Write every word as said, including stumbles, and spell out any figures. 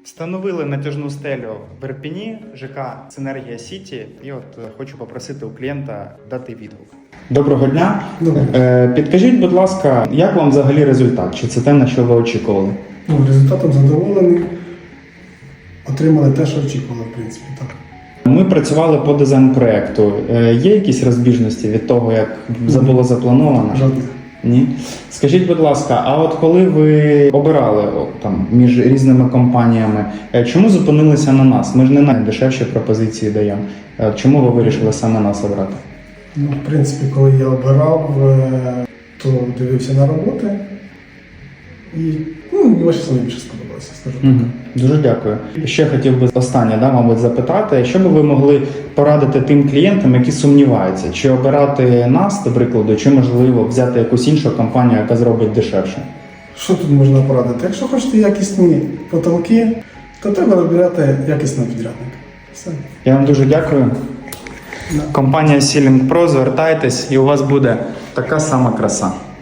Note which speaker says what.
Speaker 1: Встановили натяжну стелю в Ірпені, ЖК «Синергія Сіті», і от е, хочу попросити у клієнта дати відгук. Доброго дня.
Speaker 2: Добре.
Speaker 1: Е, підкажіть, будь ласка, як вам взагалі результат? Чи це те, на що ви очікували?
Speaker 2: Ну, результатом задоволений. Отримали те, що очікували, в принципі, так.
Speaker 1: Ми працювали по дизайн-проекту. Е, є якісь розбіжності від того, як було заплановано?
Speaker 2: Жодних.
Speaker 1: Ні. Скажіть, будь ласка, а от коли ви обирали о, там між різними компаніями, е, чому зупинилися на нас? Ми ж не найдешевші пропозиції даємо. Е, Чому ви вирішили саме нас обрати?
Speaker 2: Ну, в принципі, коли я обирав, е, то дивився на роботи. І, ну, мені ваші самі більше сподобалося, скажу так.
Speaker 1: Угу. Дуже дякую. Ще хотів би останнє, да, мабуть, запитати, що би ви могли порадити тим клієнтам, які сумніваються, чи обирати нас, до прикладу, чи можливо взяти якусь іншу компанію, яка зробить дешевше?
Speaker 2: Що тут можна порадити? Якщо хочете якісні потолки, то треба вибирати якісного підрядника. Все.
Speaker 1: Я вам дуже дякую.
Speaker 2: Да.
Speaker 1: Компанія Ceiling Pro, звертайтесь, і у вас буде така сама краса.